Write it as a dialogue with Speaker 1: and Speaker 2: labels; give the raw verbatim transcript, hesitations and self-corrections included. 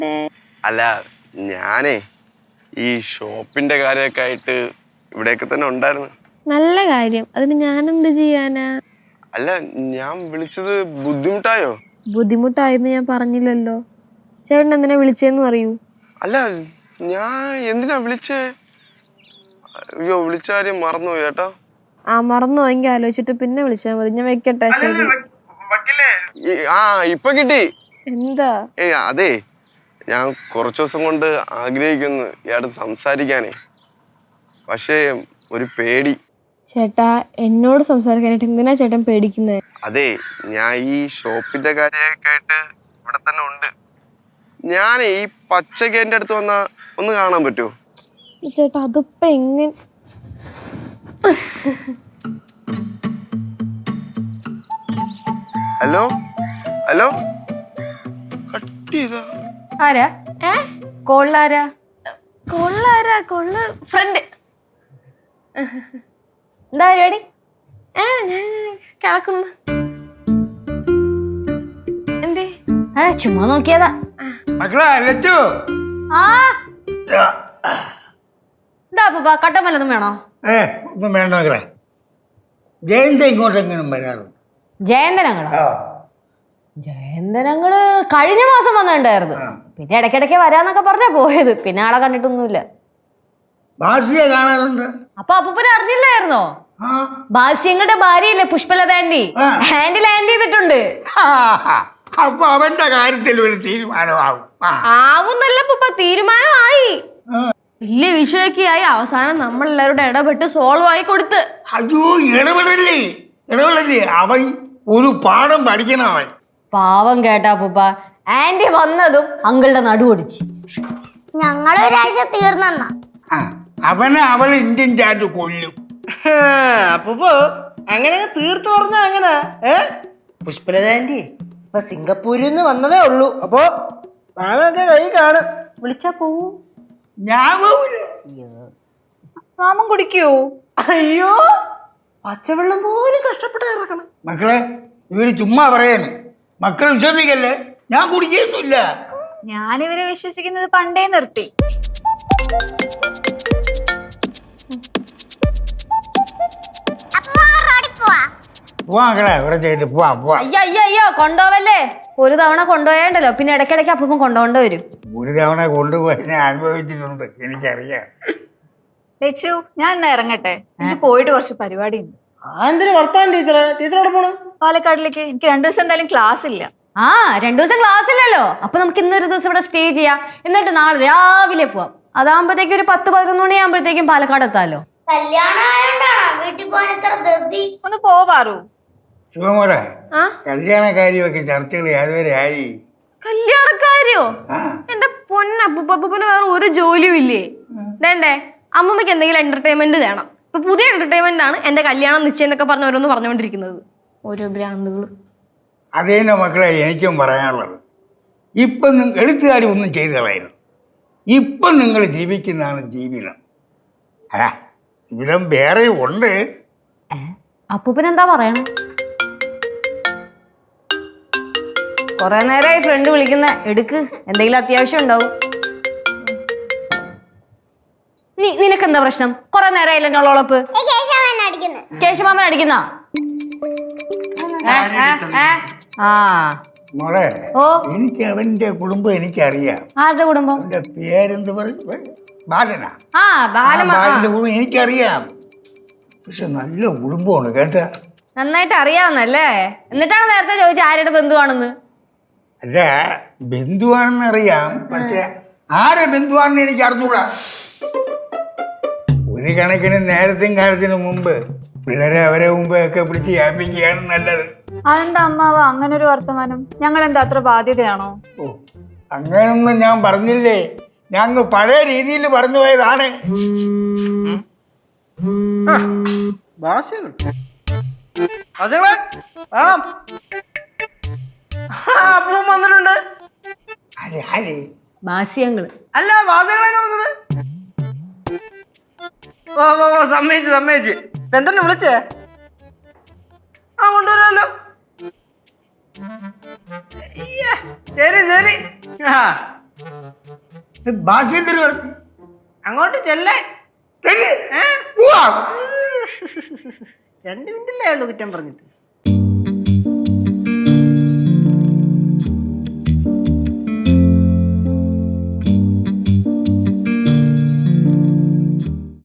Speaker 1: അല്ല ഞാനേ ഈ ഷോപ്പിന്റെ കാര്യമൊക്കെ ആയിട്ട് ഇവിടെയൊക്കെ തന്നെ ഉണ്ടായിരുന്നു.
Speaker 2: നല്ല കാര്യം. അതിന് ഞാനെന്ത് ചെയ്യാനാ?
Speaker 1: അല്ല ഞാൻ വിളിച്ചത് ബുദ്ധിമുട്ടായോ?
Speaker 2: ബുദ്ധിമുട്ടായെന്ന് ഞാൻ പറഞ്ഞില്ലല്ലോ. ചേട്ടൻ എന്തിനാ വിളിച്ചേന്ന് പറയൂ.
Speaker 1: അല്ല ഞാൻ എന്തിനാ വിളിച്ചേ? അയ്യോ വിളിച്ച കാര്യം മറന്നുപോയി ചേട്ടാ.
Speaker 2: ആ മറന്നുപോയെങ്കിൽ ആലോചിച്ചിട്ട് പിന്നെ വിളിച്ചാൽ മതി. ഞാൻ വെക്കട്ടെ. ശരി.
Speaker 1: ആ ഇപ്പൊ കിട്ടി.
Speaker 2: എന്താ?
Speaker 1: ഏയ് അതെ ഞാൻ കുറച്ചു ദിവസം കൊണ്ട് ആഗ്രഹിക്കുന്നു ഇയാള് സംസാരിക്കാനേ, പക്ഷേ ഒരു പേടി.
Speaker 2: ചേട്ടാ എന്നോട് സംസാരിക്കാനായിട്ട് എന്തിനാ ചേട്ടൻ പേടിക്കുന്നത്?
Speaker 1: അതെ ഞാൻ ഈ ഷോപ്പിന്റെ കാര്യമൊക്കെ ആയിട്ട് ഇവിടെ തന്നെ ഉണ്ട്. ഞാൻ ഈ പച്ചക്ക് എന്റെ അടുത്ത് വന്നാ ഒന്ന് കാണാൻ പറ്റുമോ?
Speaker 2: ചേട്ടാ അതിപ്പോ എങ്ങനെ?
Speaker 1: ഹലോ ഹലോ കട്ട് ചെയ്താ?
Speaker 3: ആരാ? കോളിലാരാ?
Speaker 2: കൊള്ളാരാ? കൊള്ള ഫ്രണ്ട്.
Speaker 3: എന്താ പരിപാടി?
Speaker 2: ഏ ഞാൻ കിടക്കുന്നു. എന്തേ?
Speaker 3: ആ ചുമ്മാ നോക്കിയതാ.
Speaker 4: മക്കളെ ലച്ചു.
Speaker 3: ആ എന്താ അപ്പൂപ്പ കട്ടൻ വല്ലതും വേണോ?
Speaker 4: ഏ ഒന്നും വേണ്ട മക്കളെ. ജയന്ത ഇങ്ങോട്ടെങ്കിലും വരാറുണ്ട്.
Speaker 3: ജയന്തനങ്ങളോ? ജയന്തനങ്ങള് കഴിഞ്ഞ മാസം വന്നിട്ടുണ്ടായിരുന്നു. പിന്നെ ഇടയ്ക്കിടയ്ക്ക് വരാന്നൊക്കെ പറഞ്ഞാ പോയത്. പിന്നെ ആളെ കണ്ടിട്ടൊന്നുമില്ല.
Speaker 4: ബാസിയെ കാണാറുണ്ട്.
Speaker 3: അപ്പൊ അപ്പൂപ്പനെ അറിഞ്ഞില്ലായിരുന്നോ?
Speaker 4: ആ
Speaker 3: ബാസ്യങ്ങളുടെ ഭാര്യയില്ലേ പുഷ്പലത ആന്റി, ആന്റി ലാൻഡ് ചെയ്തിട്ടുണ്ട്.
Speaker 4: അപ്പൊ അവന്റെ കാര്യത്തിൽ ഒരു തീരുമാനമാവും.
Speaker 2: ആവുന്നല്ല പൂപ്പ, തീരുമാനമായി. വലിയ വിഷയൊക്കെ ആയി. അവസാനം നമ്മൾ എല്ലാവരുടെ ഇടപെട്ട് സോൾവ് ആയി കൊടുത്ത്.
Speaker 4: അയ്യോ ഇടപെടല്ലേ ഇടപെടല്ലേ അവൻ ഒരു പാഠം പഠിക്കണം അവൻ.
Speaker 3: പാവം കേട്ടാ അപ്പൂപ്പ. ആന്റി വന്നതും അങ്കിളുടെ നടു ഒടിച്ച്.
Speaker 5: ഞങ്ങളൊരാഴ്ച തീർന്നെന്നാ.
Speaker 4: അവനെ അവൾ ഇന്ത്യൻ ചാറ്റ് കൊല്ലും.
Speaker 6: അപ്പൂപ്പോ അങ്ങനെ തീർത്ത് പറഞ്ഞ അങ്ങനെ ഏ പുഷ്പലത ആന്റി ഇപ്പൊ സിംഗപ്പൂരിൽ നിന്ന് വന്നതേ ഉള്ളൂ. അപ്പൊ നാളൊക്കെ കൈ കാണും. വിളിച്ചാ പോവൂ?
Speaker 4: ഞാൻ പോവില്ല.
Speaker 3: മാമൻ കുടിക്കൂ?
Speaker 6: അയ്യോ പച്ചവെള്ളം പോലും കഷ്ടപ്പെട്ട് ഇറക്കണം.
Speaker 4: മക്കളെ ഇവര് ചുമ്മാ പറയാണ്. മക്കൾ വിശ്വസിക്കല്ലേ, ഞാൻ കുടിക്കൊന്നുമില്ല.
Speaker 7: ഞാനിവരെ വിശ്വസിക്കുന്നത് പണ്ടേ നിർത്തി.
Speaker 4: പോവാ മക്കളെ കുറച്ചായിട്ട് പോവാ പോവാ.
Speaker 3: അയ്യോ അയ്യോ അയ്യോ കൊണ്ടുപോവല്ലേ. ഒരു തവണ കൊണ്ടുപോയാണ്ടല്ലോ പിന്നെ ഇടയ്ക്കിടയ്ക്ക് അപ്പം കൊണ്ടുപോകേണ്ടി വരും.
Speaker 4: ഒരു തവണ കൊണ്ടുപോയി ഞാൻ അനുഭവിച്ചിട്ടുണ്ട്, എനിക്കറിയാം.
Speaker 7: ലച്ചു ഞാൻ ഇന്ന് ഇറങ്ങട്ടെ. എനിക്ക് പോയിട്ട് കുറച്ച് പരിപാടി ഉണ്ട്.
Speaker 6: ആന്തിന് വർത്താൻ ടീച്ചറെ ടീച്ചറോടെ പോണു?
Speaker 7: പാലക്കാടിലേക്ക്. എനിക്ക് രണ്ടു ദിവസം എന്തായാലും ക്ലാസ് ഇല്ല.
Speaker 3: ആ രണ്ടു ദിവസം ക്ലാസ് ഇല്ലല്ലോ. അപ്പൊ നമുക്ക് ഇന്നൊരു ദിവസം ഇവിടെ സ്റ്റേ ചെയ്യാം. എന്നിട്ട് നാളെ രാവിലെ പോവാം. അതാകുമ്പോഴത്തേക്കും ഒരു പത്ത് പതിനൊന്ന് മണി ആകുമ്പോഴത്തേക്കും പാലക്കാട് എത്താലോ.
Speaker 5: വീട്ടിൽ പോകാൻ എത്ര ധൃതി.
Speaker 7: ഒന്ന് പോവാറു.
Speaker 4: ശിവമോടെ കല്യാണ കാര്യമൊക്കെ ചർച്ചകൾ യാതൊരു ആയി?
Speaker 2: കല്യാണക്കാരിയോ? എന്റെ പൊന്നപ്പൂപ്പൂപ്പന് വേറെ ഒരു ജോലിയും ഇല്ലേ? വേണ്ടേ അമ്മമ്മക്ക് എന്തെങ്കിലും എന്റർടൈൻമെന്റ് വേണം. ഇപ്പൊ പുതിയ എന്റർടൈൻമെന്റ് ആണ് എന്റെ കല്യാണം നിശ്ചയം എന്നൊക്കെ പറഞ്ഞ ഓരോന്ന് പറഞ്ഞുകൊണ്ടിരിക്കുന്നത്. ഓരോ ഭ്രാന്തുകള്.
Speaker 4: അതേന്നെ മക്കളെ എനിക്കും പറയാനുള്ളത്. ഇപ്പം എഴുത്തുകാരി ഒന്നും ചെയ്തു കളയരുത്. ഇപ്പം നിങ്ങൾ ജീവിക്കുന്നതാണ് ജീവിതം. അല്ല ജീവിതം വേറെ ഉണ്ട്.
Speaker 3: അപ്പൂപ്പൻ എന്താ പറയണേ? കൊറേ നേരമായി ഫ്രണ്ട് വിളിക്കുന്ന. എടുക്ക്, എന്തെങ്കിലും അത്യാവശ്യം ഉണ്ടാവും. നീ നിനക്കെന്താ പ്രശ്നം? കൊറേ നേരമായില്ല എന്നോളൊളപ്പ്. കേശമാമൻ അടിക്കുന്ന
Speaker 4: മോളെ
Speaker 3: ഓ
Speaker 4: എനിക്ക് അവന്റെ കുടുംബം എനിക്കറിയാം.
Speaker 3: ആരുടെ കുടുംബം?
Speaker 4: അവന്റെ പേരെന്ത് പറയും? ബാലനാ.
Speaker 3: ആ
Speaker 4: ബാലന്റെ കുടുംബം എനിക്കറിയാം. പക്ഷെ നല്ല കുടുംബമാണ് കേട്ടാ.
Speaker 3: നന്നായിട്ട് അറിയാവുന്നല്ലേ. എന്നിട്ടാണ് നേരത്തെ ചോദിച്ചത് ആരുടെ ബന്ധുവാണെന്ന്.
Speaker 4: അല്ല ബന്ധുവാണെന്ന് അറിയാം, പക്ഷെ ആരെ ബന്ധുവാണെന്ന് എനിക്ക് അറിഞ്ഞൂടാ. ഒരു കണക്കിന് നേരത്തെയും കാലത്തിനും മുമ്പ് പിള്ളേരെ അവരെ മുമ്പ് ഒക്കെ പിടിച്ച് യാപിക്കുകയാണ് നല്ലത്.
Speaker 7: അതെന്താ അമ്മാവ അങ്ങനെ ഒരു വർത്തമാനം? ഞങ്ങൾ എന്താ അത്ര ബാധ്യതയാണോ?
Speaker 4: ഓ അങ്ങനൊന്നും ഞാൻ പറഞ്ഞില്ലേ. ഞങ്ങൾ പഴയ രീതിയിൽ പറഞ്ഞു പോയതാണ്.
Speaker 6: അപ്പൂപ്പൻ വന്നിട്ടുണ്ട്.
Speaker 3: ബാസ്യങ്ങള്
Speaker 6: അല്ല വാസകളാണ് വന്നത്. ഓ ഓ സമ്മതിച്ചു സമ്മതിച്ചു. എന്തെന്നെ വിളിച്ചേ? ആ കൊണ്ടുവരാമല്ലോ. ശരി ശരി. ആ
Speaker 4: ബാസി എന്തിനു പറഞ്ഞു?
Speaker 6: അങ്ങോട്ട് ചെല്ലേ.
Speaker 4: ചെല്ല്. പോവാം.
Speaker 6: രണ്ട് മിനിറ്റല്ലേ ഉള്ളൂ കുറ്റം പറഞ്ഞിട്ട്.